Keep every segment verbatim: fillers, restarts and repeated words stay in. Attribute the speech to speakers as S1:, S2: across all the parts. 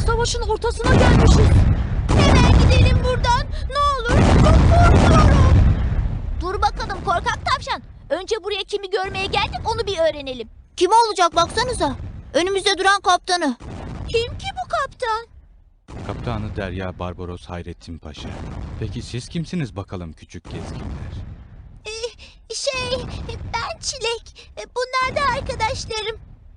S1: savaşın ortasına gelmişiz.
S2: Hemen gidelim buradan. Ne olur. Çok korkuyorum. Dur bakalım korkak tavşan. Önce buraya kimi görmeye geldik onu bir öğrenelim. Kim olacak baksanıza. Önümüzde duran kaptanı. Kim ki bu kaptan?
S3: Kaptanı Derya Barbaros Hayrettin Paşa. Peki siz kimsiniz bakalım küçük gezginler?
S2: Ee, şey ben Çilek. Bunlar da arkadaşlarım.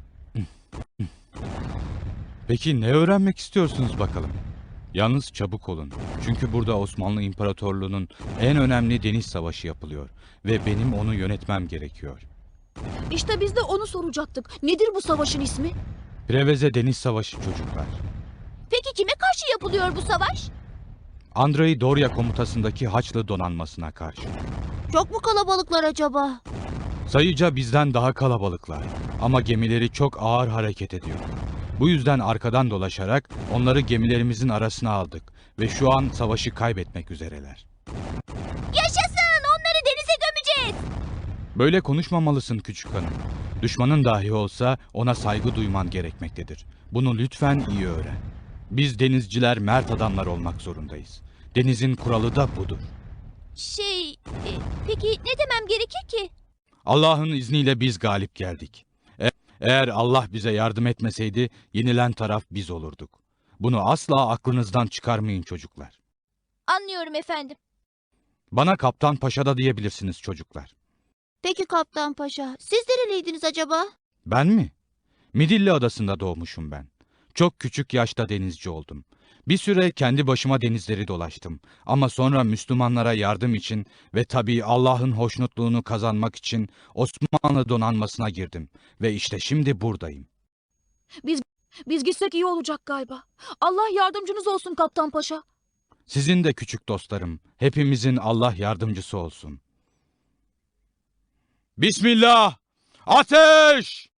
S3: Peki ne öğrenmek istiyorsunuz bakalım? Yalnız çabuk olun. Çünkü burada Osmanlı İmparatorluğu'nun en önemli deniz savaşı yapılıyor. Ve benim onu yönetmem gerekiyor.
S1: İşte biz de onu soracaktık. Nedir bu savaşın ismi?
S3: Preveze Deniz Savaşı çocuklar.
S2: Peki kime karşı yapılıyor bu savaş?
S3: Andrei Dorya komutasındaki Haçlı donanmasına karşı.
S2: Çok mu kalabalıklar acaba?
S3: Sayıca bizden daha kalabalıklar. Ama gemileri çok ağır hareket ediyor. Bu yüzden arkadan dolaşarak onları gemilerimizin arasına aldık. Ve şu an savaşı kaybetmek üzereler.
S2: Yaşasın! Onları denize gömeceğiz.
S3: Böyle konuşmamalısın küçük hanım. Düşmanın dahi olsa ona saygı duyman gerekmektedir. Bunu lütfen iyi öğren. Biz denizciler mert adamlar olmak zorundayız. Denizin kuralı da budur.
S2: Şey, e, peki ne demem gerekir ki?
S3: Allah'ın izniyle biz galip geldik. E- eğer Allah bize yardım etmeseydi yenilen taraf biz olurduk. Bunu asla aklınızdan çıkarmayın çocuklar.
S2: Anlıyorum efendim.
S3: Bana Kaptan Paşa da diyebilirsiniz çocuklar.
S2: Peki Kaptan Paşa, siz nereliydiniz acaba?
S3: Ben mi? Midilli Adası'nda doğmuşum ben. Çok küçük yaşta denizci oldum. Bir süre kendi başıma denizleri dolaştım. Ama sonra Müslümanlara yardım için ve tabii Allah'ın hoşnutluğunu kazanmak için Osmanlı donanmasına girdim. Ve işte şimdi buradayım.
S1: Biz biz gitsek iyi olacak galiba. Allah yardımcınız olsun Kaptan Paşa.
S3: Sizin de küçük dostlarım, hepimizin Allah yardımcısı olsun. Bismillah! Ateş!